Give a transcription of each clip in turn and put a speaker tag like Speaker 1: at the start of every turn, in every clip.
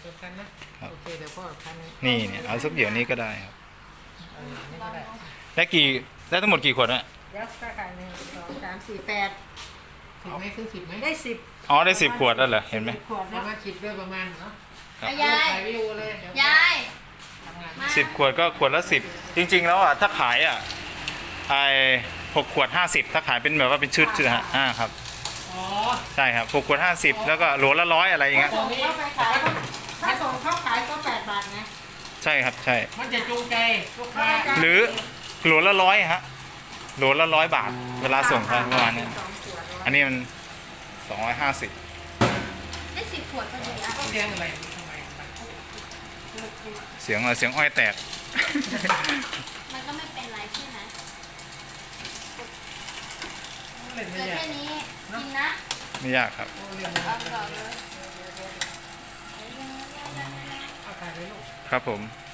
Speaker 1: เดียวกันนะโอเคเดี๋ยวพ่อพัน
Speaker 2: นี่เนี่ยเอาสักเดี๋ยวนี้ก็ได้ครับ
Speaker 1: นี่ก็ได้
Speaker 2: ได้ทั้งหมดกี่ขวดนะ
Speaker 3: ยักษ์ก็ขาย1 2 3 4 8
Speaker 1: 10ไหมซื้อ10ไหม
Speaker 3: ได้10
Speaker 2: อ๋อได้10 ขวดแล้วเหรอเห็นไหม
Speaker 3: ขวด
Speaker 1: ประ
Speaker 3: นะ
Speaker 1: มาณ10ด้วยประมาณเนาะ
Speaker 2: ครับ
Speaker 4: ยาย
Speaker 1: ถ่ายวิดีโอเลยเดี๋ยวย
Speaker 4: าย
Speaker 1: ทำงาน
Speaker 4: มา
Speaker 2: 10 ขวดก็ขวดละ10จริงๆแล้วอ่ะถ้าขายอ่ะไอ้6 ขวด 50ถ้าขายเป็นแบบว่าเป็นชุดฮะครับ
Speaker 1: อ๋อ
Speaker 2: ใช่ครับ6 ขวด 50แล้วก็โหลละ100อะไรอย่างเงี้ย
Speaker 3: ส่งเข้าไปขายถ้าส่งเข้าขายก็8 บาทนะ
Speaker 2: ใช่ครับใช่
Speaker 1: มันจะจูงใจลูกค้า
Speaker 2: หรือโหลละ100ฮะโหลละ100 บาท เวลาส่งไปประมาณนี้
Speaker 3: 2 ขวด
Speaker 2: อันนี้มัน250
Speaker 4: ได้10 ขวดพอดีอ่ะ
Speaker 1: ต้องเลี้ยงอะไรทำไม
Speaker 2: เสียงอะไรเสียงอ้อยแตก
Speaker 4: มันก็ไม่เป็นไรใช่ไหม
Speaker 1: เล่น
Speaker 4: เห
Speaker 1: ไม่
Speaker 4: ลือย
Speaker 1: าก
Speaker 4: แค่นี้กินนะ
Speaker 2: ไม่ยากครับ
Speaker 1: เล่น
Speaker 4: เอาก่อนเลย
Speaker 1: เอาถ่ายเลยลูก
Speaker 2: ครับผม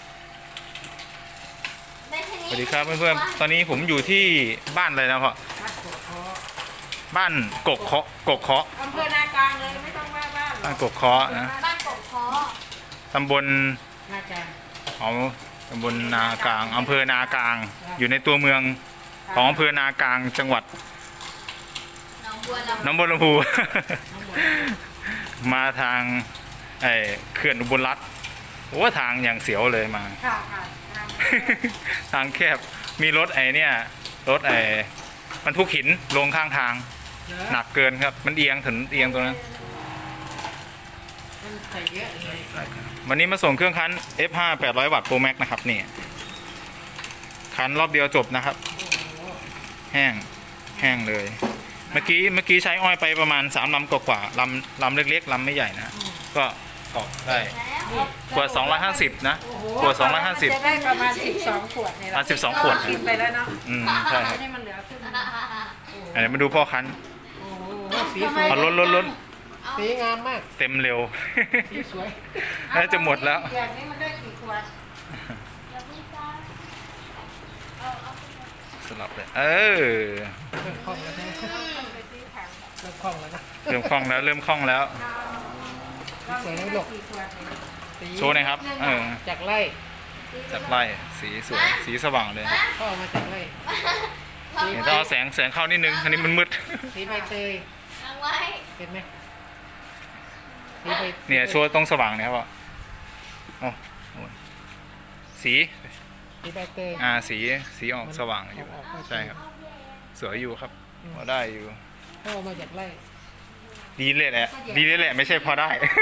Speaker 4: ได้แค่นี้
Speaker 2: สวัสดีครับเพื่อนๆตอนนี้ผมอยู่ที่บ้านอะไรนะพ่อ
Speaker 1: มัดกดคอ
Speaker 2: บ้านกกเคาะ
Speaker 3: อำเภอนากลางเลยไม่ต้องว่าบ้านหร
Speaker 2: บ้า
Speaker 3: อน ก
Speaker 2: กกเคาะนะ
Speaker 4: บ้านกบคอ
Speaker 2: ตำบล
Speaker 1: หน้าจาน
Speaker 2: ของตำบลนากลางอำเภอนากลาง อยู่ในตัวเมืองของอำเภอนากลางจังหวัด
Speaker 4: หนองบัวลำ
Speaker 2: หนองบัวลำพู
Speaker 1: ทั้งหมด
Speaker 2: มาทางเขื่อนอุบลรัตน์โอ้ทางอย่างเสียวเลยมา
Speaker 3: ค่ะค่ะ
Speaker 2: ทางแคบมีรถเนี่ยรถบรรทุกหินลงข้างทาง
Speaker 1: เยอะ
Speaker 2: หนักเกินครับ มันเอียงถึงเอียงตรงนั้น
Speaker 1: มันใส่เยอะเลย
Speaker 2: วันนี้มาส่งเครื่องคั้น F5 800 วัตต์ Pro Max นะครับนี่คั้นรอบเดียวจบนะครับ แห้งแห้งเลย เมื่อกี้ใช้อ้อยไปประมาณ3 ลำกว่าๆลำเล็กๆลำไม่ใหญ่นะก็ออกได้
Speaker 4: แล้ว
Speaker 2: ขวด250นะขวด
Speaker 3: จะ
Speaker 2: 250
Speaker 3: ได้ประมาณ12 ขวดนี่แหละ
Speaker 2: 12 ขวด
Speaker 3: กินไปแล้วเนาะ
Speaker 2: ใช่ครับ
Speaker 3: ให้มันเหลือครึ่ง
Speaker 2: เดี๋ยวมาดูพ่อคั้น
Speaker 1: โอ้โหสีสวย
Speaker 2: เอาล้น
Speaker 1: สีงามมาก
Speaker 2: เต็มเร็ว
Speaker 1: สีสวย
Speaker 2: น่าจะหมดแล้ว
Speaker 3: อย่างนี้มันได้กี่ขวด
Speaker 4: อย่าเพิ่งจ้าเอา
Speaker 2: สลับเลยเออ
Speaker 1: เริ่มคล่องแล้วนะ
Speaker 3: ไปซื้อถัง
Speaker 1: เริ่มคล่องแล้วนะ
Speaker 2: เริ่มคล่องแล้วเริ่มคล่องแล้ว
Speaker 1: สวยนะลูก
Speaker 3: กี่ขวดเนี่ย
Speaker 1: สี
Speaker 2: โชว์หน่อยครับ
Speaker 1: จากไร่
Speaker 2: จับไล่สีสวยสีสว่างเลย
Speaker 1: พ่อเอามาจากไร่
Speaker 2: เดี๋ยวต้องเอาแสงเข้านิดนึงอันนี้มันมืด
Speaker 1: สีใบเตย
Speaker 4: เอาไว้
Speaker 1: เห็นไหมสีใบ
Speaker 2: เนี่ยโชว์ตรงสว่างเนี่ยพ่อโอ้โหสี
Speaker 1: สีใบเตย
Speaker 2: สีออกสว่างอยู่ใช่ครับสวยอยู่ครับพอได้อยู่
Speaker 1: พ่อเอามาจากไร่
Speaker 2: ดีเลยแหละไม่ใช่พอได้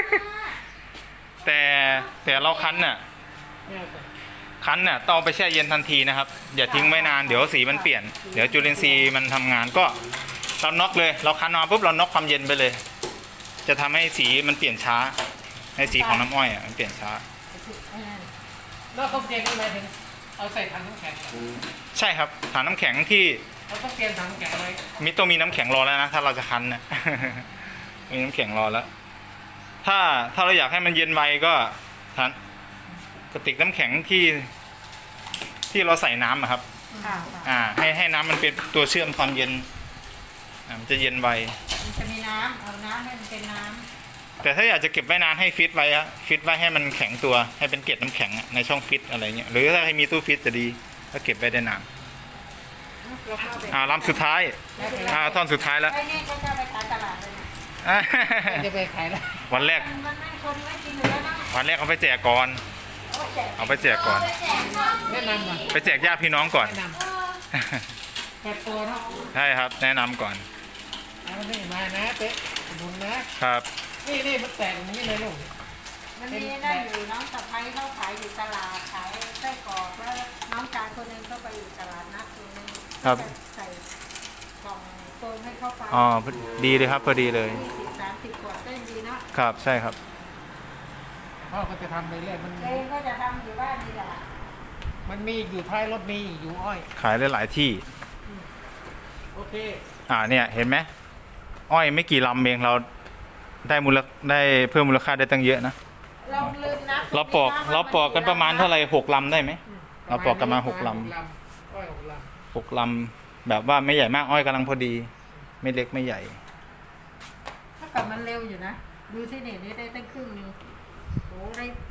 Speaker 2: แต่เราคั้นน่ะ
Speaker 1: ไม่เอาไป
Speaker 2: คั้นน่ะต้องเอาไปแช่เย็นทันทีนะครับอย่าทิ้งไว้นานเดี๋ยวสีมันเปลี่ยนเดี๋ยวจุลินทรีย์มันทำงานก็เราน็อกเลยเราคั้นมาปุ๊บเราน็อกความเย็นไปเลย จะทำให้สีมันเปลี่ยนช้าให้สีของน้ำอ้อยมันเปลี่ยนช้า
Speaker 1: แล้วเขาเตรียมอะไรถึงเอาใส่ถังน้ำแข็งเหรอ
Speaker 2: ใช่ครับถังน้ำแข็งที่
Speaker 1: เราต้องเตรียมถังน้ำแข็งไว้
Speaker 2: ต้องมีน้ำแข็งรอแล้วนะถ้าเราจะคั้นนะ มีน้ำแข็งรอแล้ว ถ้าเราอยากให้มันเย็นไวก็ทันกระติกน้ำแข็งที่เราใส่น้ำอะครับ
Speaker 3: ค่ะ
Speaker 2: ให้น้ำมันเป็นตัวเชื่อมความเย็นมันจะเย็นไว
Speaker 3: มันจะมีน้ำเอาน้ำให้มันเป็นน้
Speaker 2: แต่ถ้าอยากจะเก็บไว้นานให้ฟิตไว้อะฟิตไว้ให้มันแข็งตัวให้เป็นเกล็ดน้ำแข็งอะในช่องฟิตอะไรเงี้ยหรือถ้าให้มีตู้ฟิตจะดีก็เก็บไว้ได้นาน
Speaker 3: ำเราเข้าไป
Speaker 2: ลำสุดท้ายท่อนสุดท้ายแล้ว
Speaker 3: ไอ้นี่ก็จะไปขายตลาดเลยนะ
Speaker 1: จะไปขายแล้ว
Speaker 2: วันแรก
Speaker 3: มันไม่คนไม่กินอยู่แล้วนะ
Speaker 2: วันแรกเอาไปแจกก่อน เอาไปแจกก่อน
Speaker 4: ไปแจกข้าว
Speaker 1: แนะนำหน่อย
Speaker 2: ไปแจกญาติพี่น้องก่อน
Speaker 1: แนะนำแปดตัวเนาะ
Speaker 2: ใช่ครับ แนะนำก่อน
Speaker 1: เอานี่มานะเต๊ะบุญนะครับ นี่มันแตกอย่างนี้เลยลูก
Speaker 3: มันมีได้อยู่น้องสะพ้ายเขาขายอยู่ตลาดขายไส้กรอกแล้วน้องชายคนหนึงก็ไปอยู่ตลาดนัดคนหนึง
Speaker 2: ครับ
Speaker 3: ใส่กล่องโฟมให้เข้าไป
Speaker 2: อ๋อดีเลยครับพอดีเลย
Speaker 3: 20-30 ขวดก็ยังดีเนาะ
Speaker 2: ครับใช่ครับ
Speaker 1: พ่อก็จะทำไปเรื่อยมัน
Speaker 3: เองก็จะทำอยู่บ้านนี่แหละ
Speaker 1: มันมีอยู่ท้ายรถมีอยู่อ้อย
Speaker 2: ขายได้หลายที่
Speaker 1: โอเค
Speaker 2: เนี่ยเห็นไหมอ้อยไม่กี่ลำเองเราได้เพิ่มมูลค่าได้ตั้งเยอะนะ
Speaker 3: เราลืมนะ
Speaker 2: เราปอกกันประมาณเท่าไหร่6 ลำได้ไหมเราปอกกันมา6 ลำ
Speaker 1: อ้อย6 ล
Speaker 2: 6 ลำแบบว่าไม่ใหญ่มากอ้อยกำลังพอดี ไม่เล็กไม่ใหญ่
Speaker 3: ถ้ากับมันเร็วอยู่นะ ดูที่นี่ได้ตั้งครึ่งหนึงโอ้ได้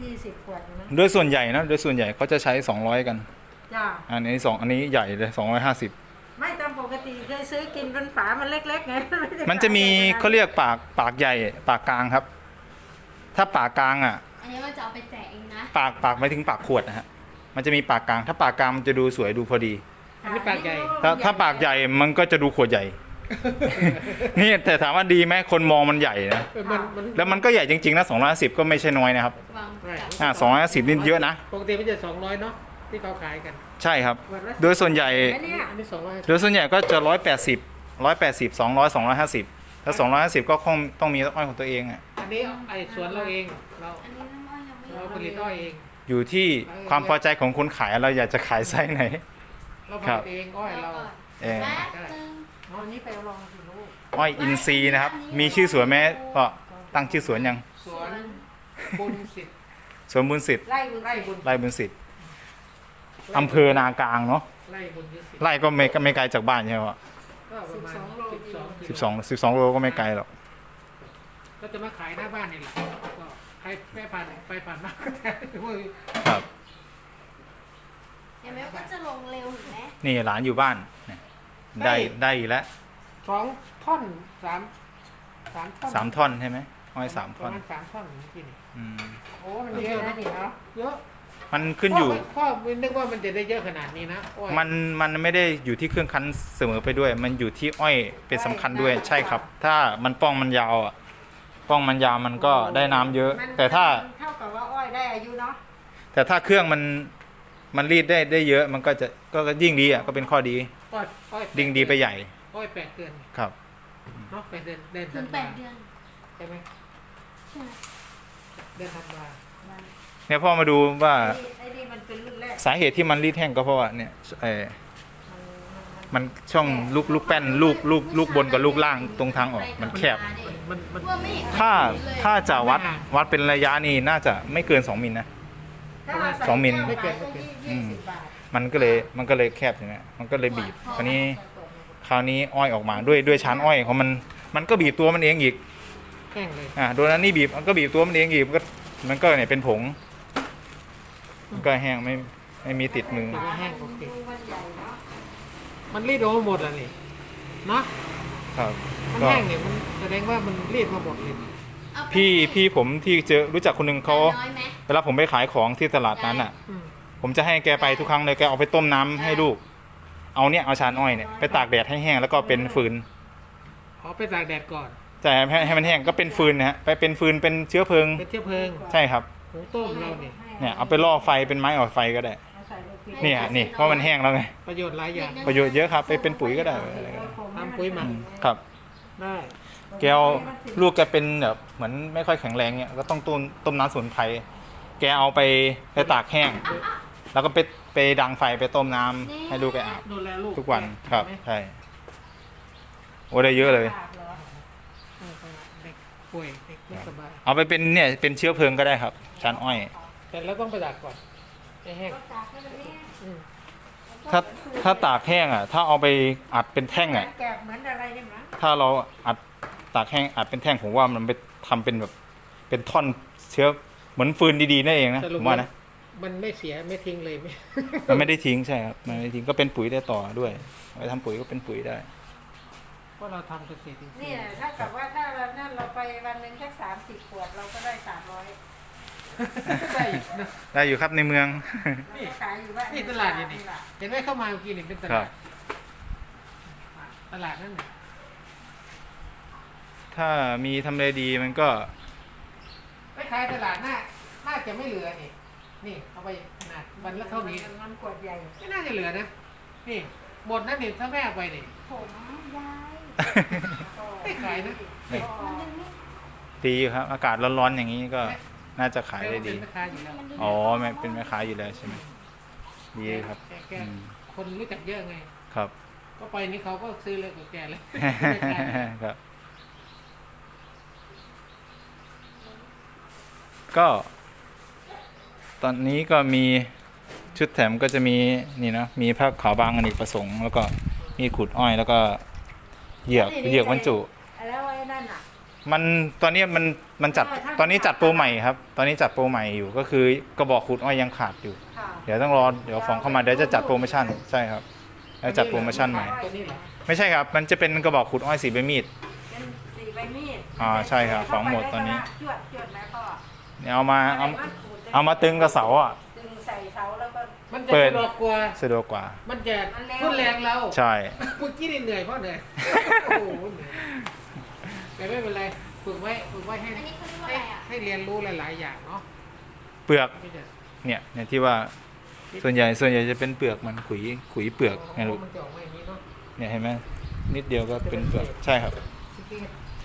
Speaker 3: 20 ขวดอยู่นะ
Speaker 2: โดยส่วนใหญ่นะโดยส่วนใหญ่เขาจะใช้200กัน
Speaker 3: จ้า
Speaker 2: อันนี้ใหญ่เลย250
Speaker 3: ไม่ตามปกติเคยซื้อกินเป็นฝามันเล็กๆไง
Speaker 2: มันจะมีเขาเรียกปากใหญ่ปากกลางครับ ถ้าปากกลางอ่ะ
Speaker 4: อันนี้มันจะเอาไปแจกเองนะ
Speaker 2: ปากไม่ถึงปากขวดนะฮะมันจะมีปากกลาง ถ้าปากกลางมันจะดูสวยดูพอดี
Speaker 1: อันนี้ปากใหญ่
Speaker 2: ถ้าปากใหญ่มันก็จะดูขวดใหญ่ นี่แต่ถามว่าดีไหมคนมองมันใหญ่นะ
Speaker 1: มัน
Speaker 2: แล้วมันก็ใหญ่จริงๆนะ250ก็ไม่ใช่น้อยนะครับ
Speaker 4: วางกับ
Speaker 2: 250นี่เยอะนะ
Speaker 1: ปกติมันจะ200เนาะที่เขาขายกัน
Speaker 2: ใช่ครับ โดยส่วนใหญ่
Speaker 3: อันเนี้ย
Speaker 1: อันนี้200
Speaker 2: โดยส่วนใหญ่ก็จะ180 200 250ถ้า250ก็คงต้องมีอ้อยของตัวเองอ่ะ
Speaker 1: อันนี้ไอ้สวนเราเองเรา
Speaker 4: อันนี้น้ำอ้อยยังไม่
Speaker 1: เราผลิตอ้อยเอง
Speaker 2: อยู่ที่ความพอใจของคนขายเราอยากจะขายไส้ไหน
Speaker 1: เราผ
Speaker 2: ครั
Speaker 1: ลิ
Speaker 2: บ
Speaker 1: ตเองอ้อยเรา
Speaker 2: เออ
Speaker 4: แป๊บนึง
Speaker 3: เอาอันนี้ไปลองสิลูก
Speaker 2: อ้อยอินทรีย์นะครับ มีชื่อสวนไหมก็ตั้งชื่อสวนยัง
Speaker 1: สวนบุญสิทธิ์
Speaker 2: สวนบุญสิทธิ์
Speaker 3: ไล่บุญ
Speaker 1: ไร่บุญ
Speaker 2: ไร่บุญสิทธิ์อำเภอนากลางเนาะ
Speaker 1: ไร่บุญสิทธิ์
Speaker 2: ไร่ก็ไม่ไกลจากบ้านใช่ไหมวะ
Speaker 1: ก็ประมาณ
Speaker 2: 12โลก็ไม่ไกลหรอก
Speaker 1: ก็จะมาขายหน้าบ้านนี่แหละก็ใครแม่ผ่านไปผ่านมาก็ได้
Speaker 2: ครับ
Speaker 4: เห็นไหมว่าจะลงเร็วเห็นไหม
Speaker 2: นี่หลานอยู่บ้านเนี่ยได้อีกแล้ว
Speaker 1: 2 ท่อน3 ท่อน
Speaker 2: 3 ท่อนใช่ไหมอ้อย3
Speaker 1: ป
Speaker 2: ท่อ
Speaker 1: ระ
Speaker 2: น
Speaker 1: มาณ3 ท่อนเมื่อกี้นี่
Speaker 2: อืม
Speaker 1: โอ้มัน
Speaker 3: เย
Speaker 1: เย
Speaker 3: อะ
Speaker 1: อะ
Speaker 3: นะ
Speaker 1: นะ
Speaker 3: นี่เนาะ
Speaker 1: เยอะ
Speaker 2: มันขึ้นอยู่
Speaker 1: พ่อไม่นึกว่ามันจะได้เยอะขนาดนี้นะอ้อย
Speaker 2: มันไม่ได้อยู่ที่เครื่องคั้นเสมอไปด้วย มันอยู่ที่อ้อยเป็นสำคัญด้วยใช่ครับ ถ้ามันป้องมันยาวอ่ะป้องมันยาวมันก็ได้น้ำเยอะ
Speaker 3: มัน
Speaker 2: แต่ถ้า
Speaker 3: เท่ากับว่าอ้อยได้อายุเนาะ
Speaker 2: แต่ถ้าเครื่องมันรีดได้เยอะมันก็จะก็ยิ่งดีอ่ะก็เป็นข้อดี
Speaker 1: อ้อย
Speaker 2: ยิ่งดีไปใหญ่
Speaker 1: อ้อย8 เดือน
Speaker 2: ครับ
Speaker 1: เนาะ8 เดือน
Speaker 4: ถึง
Speaker 1: ธันวา
Speaker 4: 8 เดือน
Speaker 1: ใช่ไหม
Speaker 4: ใช่ไหม
Speaker 1: เดือนธันวา
Speaker 2: เนี่ยพ่อมาดูว่า
Speaker 3: ไอ้นี่มันเป็นรุ่นแรก
Speaker 2: สาเหตุที่มันรีดแห้งก็เพราะว่าเนี่ยมันช่องลูกแป้นลูกบนกับลูกล่างตรงทางออกมันแคบ
Speaker 1: มัน
Speaker 4: ว่าไม่เห็น
Speaker 2: ถ้าจะวัดเป็นระยะนี่น่าจะไม่เกิน2 มิลนะ
Speaker 3: ถ้าเราใส่
Speaker 2: 2 มิล
Speaker 3: แก้วมาก็20 บาท
Speaker 2: มันก็เลยแคบใช่ไหมมันก็เลยบีบคราวนี้อ้อยออกมาด้วยชั้นอ้อยของมันก็บีบตัวมันเองอีก
Speaker 1: แห้งเลย
Speaker 2: โดนนั้นนี่บีบมันก็บีบตัวมันเองอีกมันก็เนี่ยเป็นผงมันก็แห้งไม่มีติดมือ
Speaker 1: ถือว่าแห้งปกติ
Speaker 3: ดูมันใหญ่เนาะ
Speaker 1: มันรีดออกมาหมดแล้วนี่เนาะ
Speaker 2: ครับ
Speaker 1: มัน
Speaker 2: ก็
Speaker 1: แห้งเนี่ยมันแสดงว่ามันรีดมาหมดเลย
Speaker 4: เอาไป
Speaker 2: พี่ผมที่รู้จักคนหนึ่งเขา
Speaker 4: น้อยไหม
Speaker 2: เวลาผมไปขายของที่ตลาดนั้นอ่ะ
Speaker 1: อืม
Speaker 2: ผมจะให้แกไปทุกครั้งเลยแกเอาไปต้มน้ำให้ลูก เอาชานอ้อยเนี่ยไปตากแดดให้แห้งแล้วก็เป็นฟืน
Speaker 1: เอาไปตากแดดก่อน
Speaker 2: แต่ให้มันแห้งก็เป็นฟืนนะฮะไปเป็นฟืนเป็นเชื้อเพลิง
Speaker 1: เป็นเชื้อเพลิง
Speaker 2: ใช่ครับ
Speaker 1: หุงต้มเราเนี่ย
Speaker 2: เนี่ยเอาไปล่อไฟเป็นไม้ออกไฟก็ได้
Speaker 3: เอาใส่ลูกพริก
Speaker 2: เนี่ยนี่เพราะมันแห้งแล้วไง
Speaker 1: ประโยชน์หลายอย่าง
Speaker 2: ประโยชน์เยอะครับไปเป็นปุ๋ยก็ได้อะไรก็ได้
Speaker 1: ทำปุ๋ยหมัก
Speaker 2: ครับ
Speaker 1: ได้
Speaker 2: แกเอาลูกแกเป็นแบบเหมือนไม่ค่อยแข็งแรงเนี่ยก็ต้องต้มน้ำสมุนไพรแกเอาไปตากแห้ง แล้วก็ไปดังไฟไปต้มน้ำให้ลูกแกอาบ
Speaker 1: ดูแลลูก
Speaker 2: ทุกวันครับ
Speaker 1: ใช่ไหม
Speaker 2: ใช่โอ้ได้เยอะเลย
Speaker 3: ปากเหรอ
Speaker 1: เด็กป่วยเด็กไม่สบาย
Speaker 2: เอาไปเป็นเนี่ยเป็นเชื้อเพลิงก็ได้ครับชานอ้อย
Speaker 1: แต่เราต้องไปตากก่อนให้แห้ง
Speaker 3: ก็ตากให้มันแห้ง
Speaker 1: อืม
Speaker 2: ถ้าตากแห้งอ่ะถ้าเอาไปอัดเป็นแท่งอ่ะ
Speaker 3: แกะเหมือนอะไรเนี่ยมั้ง
Speaker 2: ถ้าเราอัดตากแห้งอัดเป็นแท่งผมว่ามันไปทำเป็นแบบเป็นท่อนเชื้อเหมือนฟืนดีๆนั่นเองนะ
Speaker 1: ส
Speaker 2: ผ
Speaker 1: รุป
Speaker 2: มว่านะ
Speaker 1: มันไม่เสียไม่ทิ้งเลยไม่
Speaker 2: มันไม่ได้ทิ้งใช่ครับมันไม่ได้ทิ้งก็เป็นปุ๋ยได้ต่อด้วยเอาไปทำปุ๋ยก็เป็นปุ๋ยได้
Speaker 1: เพราะเราทำเกษตรอินทรี
Speaker 3: เนี่ย
Speaker 1: ย์
Speaker 3: ถ้ากับว่าถ้าเรานั่นเราไปวันหนึ่งแค่30 ขวดเราก็ได้300
Speaker 1: ได้อีกนะ
Speaker 2: ได้อยู่ครับในเมือง
Speaker 3: เราก็ขายอยู่บ้าน
Speaker 1: นี่ตลาดอยู่นี่เห็นไหมเข้ามาเมื่อกี้นี่เป็นต
Speaker 2: ครั
Speaker 1: ลา
Speaker 2: บ
Speaker 1: ดตลาดนั่นน่ะ
Speaker 2: ถ้ามีทำเลดีมันก็
Speaker 1: ไปขายตลาดน่าจะไม่เหลือนี่นี่เอาไปขนาดวันละเท่านี้
Speaker 3: มันขวดใหญ่
Speaker 1: ไม่น่าจะเหลือนะนี่หมดนั่นนี่ถ้าแม่เอาไปนี่
Speaker 4: ผมยาย
Speaker 1: ไม่ขายนะ
Speaker 2: นี่
Speaker 4: มันดึงไม่
Speaker 2: ดีอยู่ครับ อากาศร้อนๆอย่างนี้ก็น่าจะขายได้ดี
Speaker 1: เป็นแม่ค้าอยู่แล้ว
Speaker 4: มันดึง
Speaker 2: อ๋อแม่เป็นแม่ค้าอยู่แล้วใช่ไหมดีครับ
Speaker 1: แก
Speaker 2: อืม
Speaker 1: คนรู้จักเยอะไง
Speaker 2: ครับ
Speaker 1: ก็ไปนี่เขาก็ซื้อเลยกับแกเลย
Speaker 2: ครับ ก็ตอนนี้ก็มีชุดแถมก็จะมีนี่นะมีผ้าขาวบางอเนกประสงค์แล้วก็มีขุดอ้อยแล้วก็เหยือกบรรจุ
Speaker 3: แล้วไอ้นั่นอ่ะ
Speaker 2: มันตอนนี้มันจัดตอนนี้จัดโปรใหม่ครับ ตอนนี้จัดโปรใหม่อยู่ก็คือกระบอกขูดอ้อยยังขาดอยู่
Speaker 3: ค่ะ
Speaker 2: เดี๋ยวต้องรอเดี๋ยวฟองเข้ามาเดี๋ยวจะจัดโปรโมชั่นใช่ครับแล้วจัดโปรโมชั่นใหม่
Speaker 1: ตัวนี้เหรอ
Speaker 2: ไม่ใช่ครับมันจะเป็นกระบอกขูดอ้อยสีใบมีด
Speaker 3: เป็นสีใบมีด
Speaker 2: ใช่ครับของหมดตอนนี้
Speaker 3: จวดจวดแล้วก็
Speaker 2: เนี่ยเอามาตึงกระเสาอ่ะ
Speaker 3: ดึงใส่เสาแล้วก็
Speaker 1: มันจะ
Speaker 2: เปิด
Speaker 1: สะดวกกว่า
Speaker 2: สะดวกกว่า
Speaker 1: มันจะทุ่นแรงเรา
Speaker 2: ใช่
Speaker 1: เมื่อกี้นี่เหนื่อยเพราะเหนื่อยโอ้โหเหนื่อยแต่ไม่เป็นไรฝึกไว้ให้
Speaker 4: อันนี้เขาเรียกว่าอะไรอ่ะ
Speaker 1: ให้เรียนรู้หลายๆอย่างเนาะ
Speaker 2: เปลือก
Speaker 1: ไม่ใช่
Speaker 2: เนี่ยที่ว่าส่วนใหญ่จะเป็นเปลือกมันขุยเปลือกไงลูก
Speaker 1: มันจะออกมาอย่างนี้เนาะ
Speaker 2: เนี่ยเห็นไหมนิดเดียวก็เป็นเปลือกใช่ครับ
Speaker 1: จริง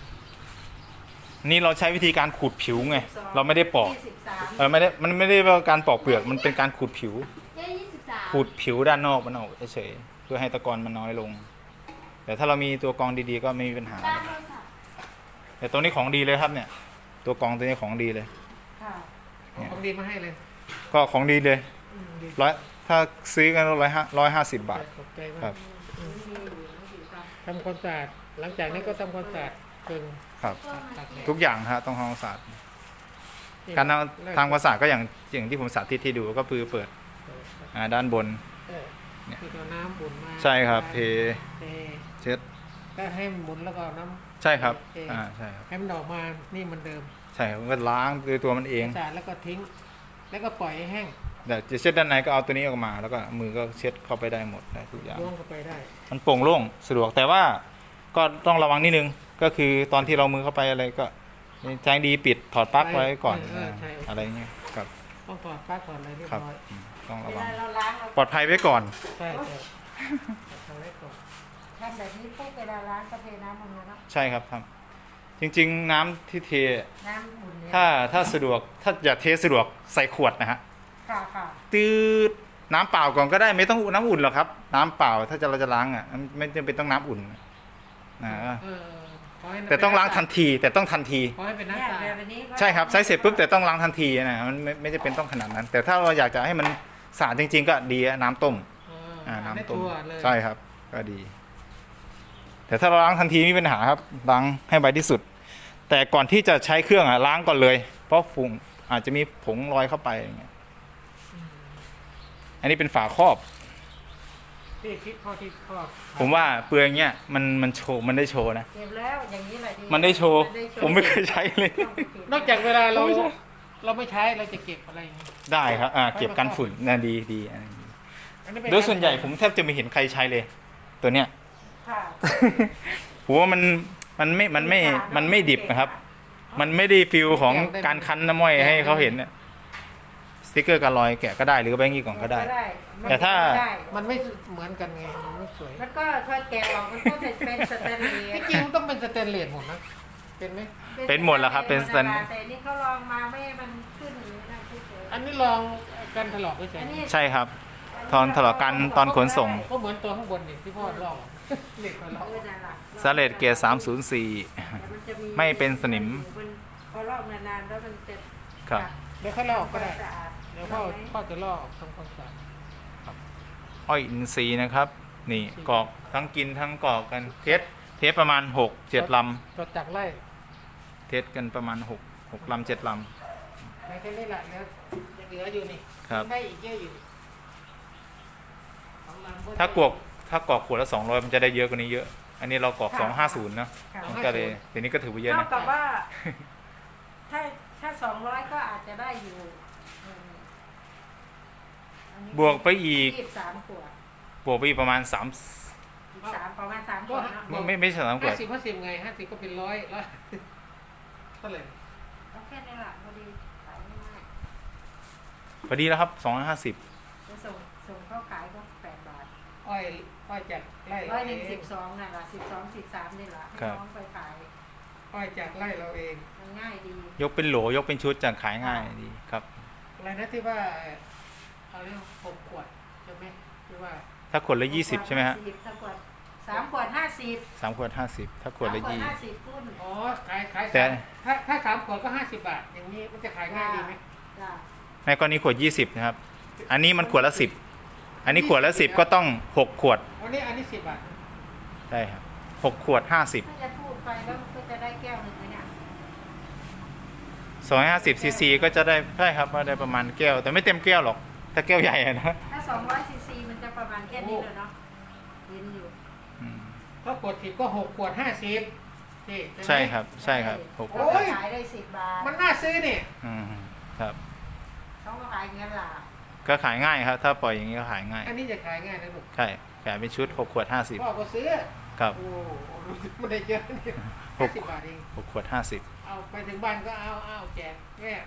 Speaker 2: นี่เราใช้วิธีการขูดผิวไงเราไม่ได้ปอก
Speaker 3: 23
Speaker 2: มันไม่ได้ว่าการปอกเปลือกมันเป็นการขูดผิว
Speaker 4: เจ๊23
Speaker 2: ขูดผิวด้านนอกมันออกเฉยๆเพื่อให้ตะกอนมันน้อยลง แต่ถ้าเรามีตัวกรองดีๆก็ไม่มีปัญหา
Speaker 4: ด้านโทรศัพท์
Speaker 2: แต่ตัวนี้ของดีเลยครับเนี่ย ตัวกรองตัวนี้ของดีเลย
Speaker 3: ค่ะ
Speaker 1: ๆเอาของดีมาให้เลย
Speaker 2: ก็ของดีเลย
Speaker 1: ดี
Speaker 2: ถ้าซื้อกัน150 บาท
Speaker 1: ขอบใจมา
Speaker 2: ครั
Speaker 1: ก
Speaker 2: บ
Speaker 1: ทำความสะอาดหลังจากนี้ก็ทำความสะอาดเพิ่ง
Speaker 2: ครับ
Speaker 1: ตัดเนี่ย
Speaker 2: ทุกอย่างฮะต้องทำความสะอาด
Speaker 1: นี่
Speaker 2: การทำความสะอาดก็อย่างที่ผมสาธิตที่ดูก็คือเปิดด้านบน
Speaker 1: เออคือเอาน้ำบุ่นมา
Speaker 2: ใช่ครับเท
Speaker 1: เท
Speaker 2: เช็ด
Speaker 1: ก็ให้มันหมุนแล้วก็เอาน้ำ
Speaker 2: ใช่ครับ
Speaker 1: เท
Speaker 2: ใช่ครับ
Speaker 1: ให้มันออกมานี่เหมันเดิม
Speaker 2: ใช่ครับมันก็ล้างด้วยตัวมันเอง
Speaker 1: สะอาดแล้วก็ทิ้ง แล้วก็ปล่อยให้แห้ง
Speaker 2: แต่จะเช็ดด้านในก็เอาตัวนี้ออกมา แล้วก็มือก็เช็ดเข้าไปได้หมดได้ทุกอย่าง
Speaker 1: ล้วงเข้าไปได้
Speaker 2: มันโปร่งโล่งสะดวกแต่ว่าก็ต้องระวังนิดนึงก็คือตอนที่เรามือเข้าไปอะไรก็แจ้งดีปิดถอดปลั๊กไว้ก่อนอะไรเงี้ยครับ
Speaker 1: ต้องถอดปลั๊กก่อนอะไรเรียบ
Speaker 2: ครับ
Speaker 1: ร้อย
Speaker 2: ต้อง
Speaker 3: เว
Speaker 2: ระวั
Speaker 3: ลาง เราล้างเรา
Speaker 2: ปลอดภัยไว้ก่อน
Speaker 1: ใช่ทำไว้ก่อน
Speaker 3: ทำแบบนี้ปุ๊บเวลาล้างก็เทน้ำมันนะเนาะ
Speaker 2: ใช่ครับครับจริงๆน้ำที่เท
Speaker 3: น้ำอุ่นเนี่ย
Speaker 2: ถ้าสะดวกถ้าอยากเทสะดวกใส่ขวดนะฮะ
Speaker 3: ค่ะค่ะ
Speaker 2: ตืดน้ำเปล่าก่อนก็ได้ไม่ต้องน้ำอุ่นหรอกครับ น้ำเปล่าถ้าเราจะล้างอ่ะไม่จำเป็นต้องน้ำอุ่นนะ
Speaker 1: เออขให้
Speaker 2: แต่ต้องล้างทันทีแต่ต้องทันที
Speaker 1: ขอให้เป็น
Speaker 3: เนี่ย
Speaker 1: น้ำสะอาด
Speaker 3: แบบนี้ก็
Speaker 2: ใช่ครับใช้เสร็จปุ๊บแต่ต้องล้างทันทีนะมันไม่จะเป็นต้องขนาดนั้น แต่ถ้าเราอยากจะให้มันสะอาดจริง ๆ ก็ดีอะน้ำต้ม น้ำต้ม
Speaker 1: ได้ตัวเลย
Speaker 2: ใช่ครับก็ดี แต่ถ้าเราล้างทันทีไม่มีปัญหาครับล้างให้ไวที่สุด แต่ก่อนที่จะใช้เครื่องอ่ะล้างก่อนเลย เพราะฝุ่นอาจจะมีผงลอยเข้าไปอย่างเงี้ยอันนี้เป็นฝาครอบ
Speaker 1: ที่คิดข้อที่ข้อ
Speaker 2: ผมว่าเปลือยเงี้ยมันโชว์มันได้โชว์นะ
Speaker 3: เก็บแล้วอย่างนี้แหละดี
Speaker 2: มันได้โชว์
Speaker 3: นด้โชว์
Speaker 2: ผมไม่เคยใช้เลย
Speaker 3: ต้องเบ
Speaker 1: นอกจากเวลาเรา
Speaker 2: ไม่ใช่
Speaker 1: เราไม่ใช้เราจะเก็บอะไรอย่างนี้
Speaker 2: ได้ครับเก็บกันฝุ่นน่าดีอันนี้ดี
Speaker 1: อันนี้เป็น
Speaker 2: โดยส่วนใหญ่ผมแทบจะไม่เห็นใครใช้เลย ตัวเนี้ย
Speaker 3: ค่ะ
Speaker 2: ผมว่ามันไม่ดิบนะครับ มันไม่ได้ฟิลของการคั้นน้ำม้อยให้เขาเห็นเนี่ยสติ๊กเกอร์การลอยแกะก็ได้หรือแบงกี้กล่องก็ได้ แต่ถ้า
Speaker 3: ได้
Speaker 1: มันไม่เหมือนกันไงมันไม่สวย
Speaker 3: มันก็ถ้าแกะออกมันก็จะเป็นสแตนเลส
Speaker 1: ที่จริงมันต้องเป็นสแตนเลสหมดนะเป็นไหม
Speaker 2: เป็นหมดแล้วครับเป็นสแตน
Speaker 3: แต่นี่เขาลองมาไม่ให้มันขึ้นอย่างนี้นะเฉยๆ
Speaker 1: อันนี้ลองกันถลอกไปใส่
Speaker 3: อันนี้
Speaker 2: ใช่ครับ ตอนถลอกกันตอนขนส่ง
Speaker 1: ก็เหมือนตัวข้างบนนี่ที่พ่อลอกเหล็กมาลอก
Speaker 3: เออนั่นล่ะ
Speaker 2: สเลดเกียร์304
Speaker 3: แต่มันจะ
Speaker 2: ไม่เป็นสนิม
Speaker 3: พอลอกนานๆแล้วมันจะ
Speaker 2: ครับ
Speaker 1: เดี๋ยวเขาลอกก็ได้
Speaker 3: สะอาด
Speaker 1: เดี๋ยวพ่อจะลอกทำความสะอาด
Speaker 2: อ้อยอินทรีย์นะครับ นี่กรอกทั้งกินทั้งกรอกกันเทสประมาณ6-7 ล
Speaker 1: จดจากไล่
Speaker 2: ำเทสกันประมาณ6 ลำ 7 ล
Speaker 1: ในแค่นี้แหละแล้วยังเหลืออยู่นี่
Speaker 2: ครับ
Speaker 1: ได้อีกเยอะอยู่สองลำก็
Speaker 2: ำถ้ากรอกขวดละ200มันจะได้เยอะกว่านี้เยอะ อันนี้เรากรอก250นะ
Speaker 3: ค่ะ
Speaker 2: มันก็เลยทีนี้ก็ถือว่าเยอะ
Speaker 3: เท่า
Speaker 2: นะ
Speaker 3: กับว่า ถ้า200ก็อาจจะได้อยู่อันนี้
Speaker 2: บวกไปอีก
Speaker 3: 23ขวด
Speaker 2: บวกไปอีกประมาณ3
Speaker 3: ประมาณ3ขวดเนาะ
Speaker 2: ไม่ใช่3ขวด
Speaker 1: 50ไง50ก็เป็น100เท่าไหร่
Speaker 3: เอาแค่นี้แหละพอดีขายง่าย
Speaker 2: พอดีแล้วครับ250
Speaker 3: ๆจะส่งเข้าขายก็8 บาท
Speaker 1: อ้อยจากไร่
Speaker 3: 12นั่นแหละ12 13นี่แหละให้
Speaker 2: ครับ
Speaker 3: น้องไปขาย
Speaker 1: อ้อยจากไร่เราเอง
Speaker 3: มันง่ายดี
Speaker 2: ยกเป็นโหลยกเป็นชุดจะขายง่ายดีครับ
Speaker 1: อะไรนะที่ว่าเอาเรื่อง6ขวดใช่ไหมที่ว่า
Speaker 2: ถ้าขวดละ20ใช่ไหมฮะ
Speaker 3: ถ้าขวด3 ขวด 50
Speaker 2: 3 ขวด 50 ถ้าขวดละ
Speaker 3: 3
Speaker 2: 20
Speaker 3: 50คุณ
Speaker 1: อ๋อขาย
Speaker 2: แต่
Speaker 1: ถ้า3ขวดก็50 บาท อย่างนี้มันจะขายง่ายดีไหม
Speaker 3: จ้ะ
Speaker 2: ในกรณีขวด20นะครับ อันนี้มันขวดละ10อันนี้ขวดละ10ก็ต้อง6ขวด
Speaker 1: วันนี้อันนี้10 บาท
Speaker 2: ใช่ครับ6ขวด50
Speaker 3: ถ้าจะพูดไปแล้วมันก็จะได้แก้วหนึ่งไหมเนี่ย
Speaker 2: 250ซีซีก็จะได้ใช่ครับว่าได้ประมาณแก้ว แต่ไม่เต็มแก้วหรอก ถ้าแก้วใหญ่อะนะ
Speaker 3: ถ้า200ซีซีมันจะประมาณแค่นี้เลยเนาะเห็นอยู่
Speaker 2: อืม
Speaker 1: ถ้าขวด10ก็6ขวด50นี่
Speaker 2: ใช่ครับใช่ครับหก
Speaker 3: เขาก็ขายได้10 บาท
Speaker 1: มันน่าซื้อนี่
Speaker 2: อืมครับ
Speaker 3: เขาก็ขายเงินหลา
Speaker 2: ก็ขายง่ายครับ ถ้าปล่อยอย่างนี้ก็ขายง่าย
Speaker 1: อันนี้จะขายง่ายนะลูก
Speaker 2: ใช่ขายเป็นชุด6ขวด
Speaker 1: พ่อ
Speaker 2: 50
Speaker 1: ก็ซื้อ
Speaker 2: ครับ
Speaker 1: โอ้ไม่ได้เยอะนี่
Speaker 2: หก
Speaker 1: 50 บาทเอง
Speaker 2: 6ขวด 50
Speaker 1: เอาไปถึงบ้านก็เอาแจกแม่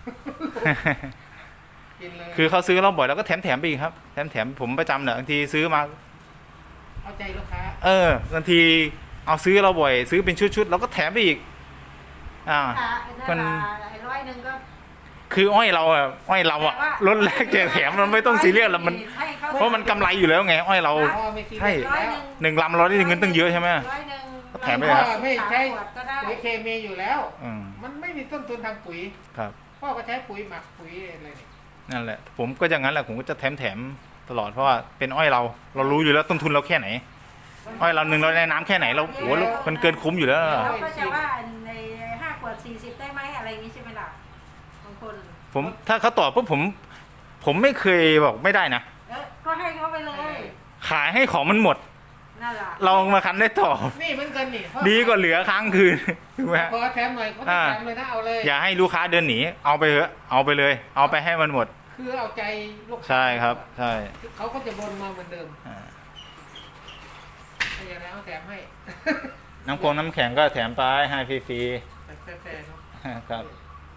Speaker 1: กินเลย
Speaker 2: คือเขาซื้อเราบ่อยแล้วก็แถมไปอีกครับแถมผมประจำเนี่ยบางทีซื้อมา
Speaker 1: เอาใจลูกค้า
Speaker 2: บางทีเอาซื้อเราบ่อย ซื้อเป็นชุดๆเราก็แถมไปอีกมัน
Speaker 3: 100ก็
Speaker 2: คืออ้อยเราอะลดแรกแจกแถมมันไม่ต้องซีเรียสแล้วมัน
Speaker 3: ให้เขา
Speaker 2: เพราะมันกำไรอยู่แล้วไงอ้อยเรา
Speaker 1: พ่อไม่ซี
Speaker 2: ใช่
Speaker 1: เรียสแล้ว
Speaker 2: 1 ลำเราได้เงินตั้งเยอะใช่ไหม
Speaker 3: 100
Speaker 2: แถมไปเลยครับ
Speaker 1: ไม่ใช่
Speaker 3: ขวดก็ได้
Speaker 1: ปุ๋ยเคมีอยู่แล้ว
Speaker 2: อืม
Speaker 1: มันไม่มีต้นทุนทางปุ๋ย
Speaker 2: ครับ
Speaker 1: พ่อก็ใช้ปุ๋ยหมักปุ๋ยอะไรนี่
Speaker 2: นั่นแหละ ผมก็อย่างนั้นแหละผมก็จะแถมตลอดเพราะว่าเป็นอ้อยเรารู้อยู่แล้วต้นทุนเราแค่ไหน อ้อยเรา100ในน้ำแค่ไหนเราโอ้โหมันเกินคุ้มอยู่แล้ว
Speaker 3: เราก็จะว่าใน5 ขวด 40 ได้ไหมอะไรอย่างนี้ใช่ไหมล่ะบางคน
Speaker 2: ผมถ้าเขาตอบปุ๊บผมไม่เคยบอกไม่ได้นะ
Speaker 3: ก็ให้เขาไปเลย
Speaker 2: ขายให้ของมันหมด
Speaker 3: นั่นแหละ
Speaker 2: เรามาคันได้ต่อ
Speaker 1: นี่เหมือนกันนี่พ่อ
Speaker 2: ดีกว่าเหลือค้างคืนถูกไหมฮะ
Speaker 1: พอแถมหน่อยเขาไม่แถมเลยนะเอาเลย
Speaker 2: อย่าให้ลูกค้าเดินหนีเอาไปเถอะเอาไปเลย เอาไปให้มันหมด
Speaker 1: คือเอาใจลูกค้า
Speaker 2: ใช่ครับใช่
Speaker 1: เขาก็จะบนมาเหมือนเดิม
Speaker 2: อ่า
Speaker 1: ถ้าอย่างนั้นเอาแถมให้
Speaker 2: น้ำโคงน้ำแข็งก็แถมไปให้ฟรี
Speaker 1: แฟร์ๆเนาะ
Speaker 2: ๆครับ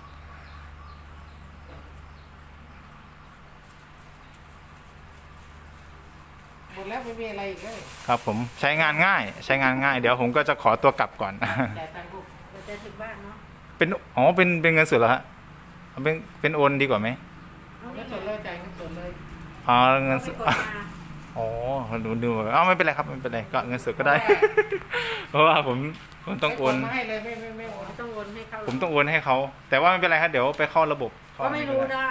Speaker 1: หมดแล้วไม่มีอะไรอีกเลย
Speaker 2: ครับผมใช้งานง่าย ใช้งานง่าย เดี๋ยวผมก็จะขอตัวกลับก่อน
Speaker 1: จ่ายตังค์ลูก
Speaker 3: เราจะถึงบ้านเนาะ
Speaker 2: เป็นเงินสดเหรอฮะเอาเป็นโอนดีกว่าไหม
Speaker 1: เงินสดเลยจ่ายเงินสดเลย
Speaker 2: อ๋อเงินสด
Speaker 3: กดมา
Speaker 2: อ๋อดูไม่เป็นไรครับไม่เป็นไรก็เงินสดก็ได้ เพราะว่าผมต้องโอน
Speaker 1: มาให้เลยไม่โอน
Speaker 3: ต้องโอนให้เขา
Speaker 2: ผมต้องโอนให้เขาแต่ว่าไม่เป็นไรครับเดี๋ยวไปเข้าระบบ
Speaker 3: ก็ไม่รู้นะ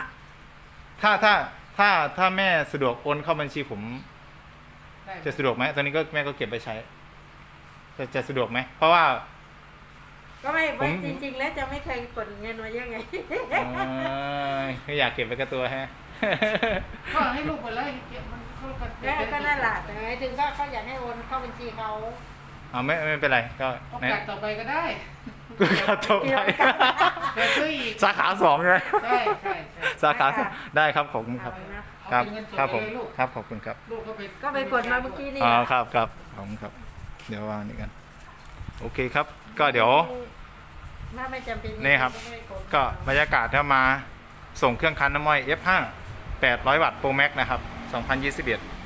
Speaker 2: ถ้าแม่สะดวกโอนเข้าบัญชีผม
Speaker 1: ได้
Speaker 2: จะสะดวกไหมตอนนี้ก็แม่ก็เก็บไปใช้ จะสะดวกไหมเพราะว่า
Speaker 3: ก็ไม่
Speaker 2: ผม
Speaker 3: จริงๆแล้วจะไม่เคยกดเงินมาเยอะไง
Speaker 2: ไม่อยากเก็บไว้กับตัวฮะ
Speaker 1: ก็ให้ลูกไปเลยเก็บมันเข้ากัน
Speaker 3: ก็นั่นแหละแต่หมายถึงก็เขาอยากให้โอนเข้าบัญชีเขา
Speaker 2: เอาไม่เป็นไรก็
Speaker 1: โอกาสต่อไปก็ได้
Speaker 2: ก็จบไป
Speaker 1: เดี๋ยวซื้ออีก
Speaker 2: สาขา2ใช่ไหม
Speaker 1: ใช่ใช่
Speaker 2: สาขา2ได้ครับขอบคุณครับ
Speaker 1: เอา
Speaker 2: ครับ
Speaker 1: เป็นเงินสด
Speaker 2: ครับผม
Speaker 1: เลยลูก
Speaker 2: ครับขอบคุณครับ
Speaker 1: ลูกก็ไป
Speaker 3: ก็ไปกดมาเมื่อกี้นี่
Speaker 2: อ๋อครับครับขอบคุณครับ เดี๋ยววางนี่กันโอเคครับ ก็เดี๋ยว
Speaker 3: ถ้าไม่จำเป็น
Speaker 2: นี่ครับ ก็บรรยากาศถ้ามาส่งเครื่องคั้นน้ำอ้อย F5 800 วัตต์ Pro Max นะครับ 2021